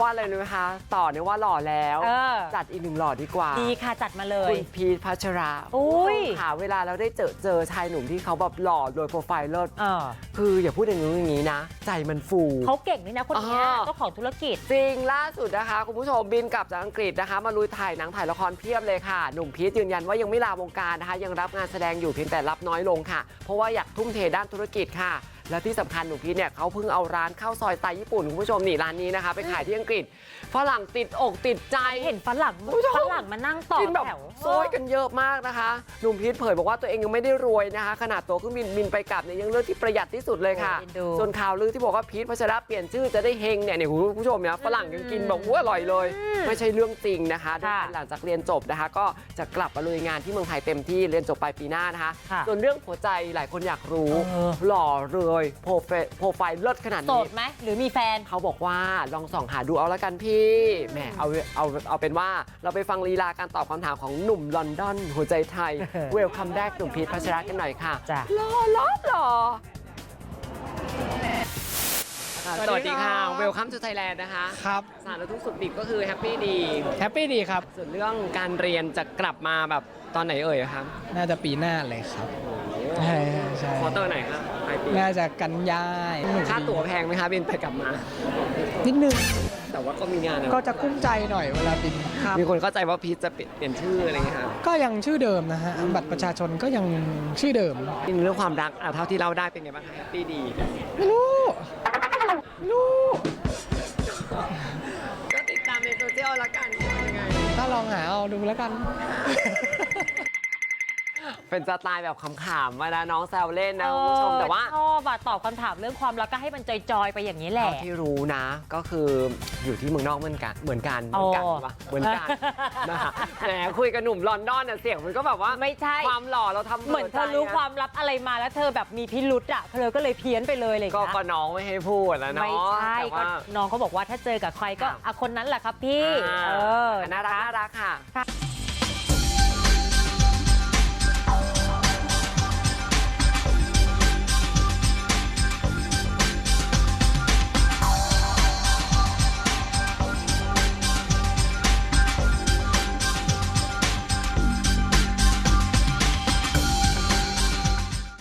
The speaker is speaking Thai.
ว่าอะไรรู้ไหมคะต่อเนี่ยว่าหล่อแล้วจัดอีก1หล่อดีกว่าดีค่ะจัดมาเลยคุณพีทพัชราค่ะเวลาเราได้เจอชายหนุ่มที่เขาแบบหล่อโดยโปรไฟล์เลิศคืออย่าพูดอย่างนี้นะใจมันฟูเขาเก่งนี่นะคนนี้เจ้าของธุรกิจจริงล่าสุดนะคะคุณผู้ชมบินกลับจากอังกฤษนะคะมาลุยถ่ายหนังถ่ายละครเพียบเลยค่ะหนุ่มพีทยืนยันว่ายังไม่ลาวงการนะคะยังรับงานแสดงอยู่เพียงแต่รับน้อยลงค่ะเพราะว่าอยากทุ่มเทด้านธุรกิจค่ะและที่สำคัญหนุ่มพีทเนี่ยเขาเพิ่งเอาร้านข้าวซอยสไตล์ญี่ปุ่นคุณผู้ชมนี่ร้านนี้นะคะไปขายที่อังกฤษฝรั่งติดอกติดใจเห็นฝรั่งมานั่งต่อแถวโซยกันเยอะมากนะคะหนุ่มพีทเผยบอกว่าตัวเองยังไม่ได้รวยนะคะขนาดตัวเครื่องบินไปกลับเนี่ยยังเลือกที่ประหยัดที่สุดเลยค่ะส่วนข่าวลือที่บอกว่าพีทพัชระเปลี่ยนชื่อจะได้เฮงเนี่ยคุณผู้ชมเนี่ยฝรั่งยังกินบอกว่าอร่อยเลยไม่ใช่เรื่องจริงนะคะหลังจากเรียนจบนะคะก็จะกลับมาลุยงานที่เมืองไทยเต็มที่เรียนจบปลายปีหน้านะคะส่วนเรื่องหัวใจหลายคนอยากรู้หล่อเลยโปรไฟล์เลิศขนาดนี้โสดไหมหรือมีแฟนเขาบอกว่าลองส่องหาดูเอาละกันพี่แหมเอาเป็นว่าเราไปฟังลีลาการตอบคำถามของหนุ่มลอนดอนหัวใจไทยเวลคัมแรกหนุ่มพีทพัชระกันหน่อยค่ะหล่อสวัสดีค่ะเวลคัมทูไทยแลนด์นะคะครับสารทุกสุขดิบก็คือแฮปปี้ดีครับส่วนเรื่องการเรียนจะกลับมาแบบตอนไหนเอ่ยครับน่าจะปีหน้าเลยครับใช่ควอเตอร์ไหนครับปลายปีน่าจะกันยาค่าตั๋วแพงไหมคะบินไปกลับมานิดนึงแต่ว่าก็มีงานก็จะกุ้มใจหน่อยเวลาบินมีคนเข้าใจว่าพีทจะเปลี่ยนชื่ออะไรอย่างเงี้ยครับก็ยังชื่อเดิมนะฮะบัตรประชาชนก็ยังชื่อเดิมเรื่องความรักเท่าที่เราได้เป็นไงบ้างคะแฮปปี้ดีไม่รู้ก็ติดตามในโซเชียลแล้วกันยังไงถ้าลองหาเอาดูแล้วกันเป็นสไตล์แบบขำๆมานะน้องแซวเล่นนะคุณผู้ชมแต่ว่าชอบตอบคำถามเรื่องความรักก็ให้มันจอยๆไปอย่างนี้แหละที่รู้นะก็คืออยู่ที่เมืองนอกเหมือนกันเหมือนกันนะคะแหมคุยกับหนุ่มลอนดอนเนี่ยเสียงมันก็แบบว่าไม่ใช่ความหล่อเราทำเหมือนเธอรู้ความลับอะไรมาแล้วเธอแบบมีพิรุธเธอก็เลยเพี้ยนไปเลยเลยก็น้องไม่ให้พูดแล้วเนาะไม่ใช่ก็น้องเขาบอกว่าถ้าเจอกับใครก็คนนั้นแหละครับพี่น่ารักค่ะ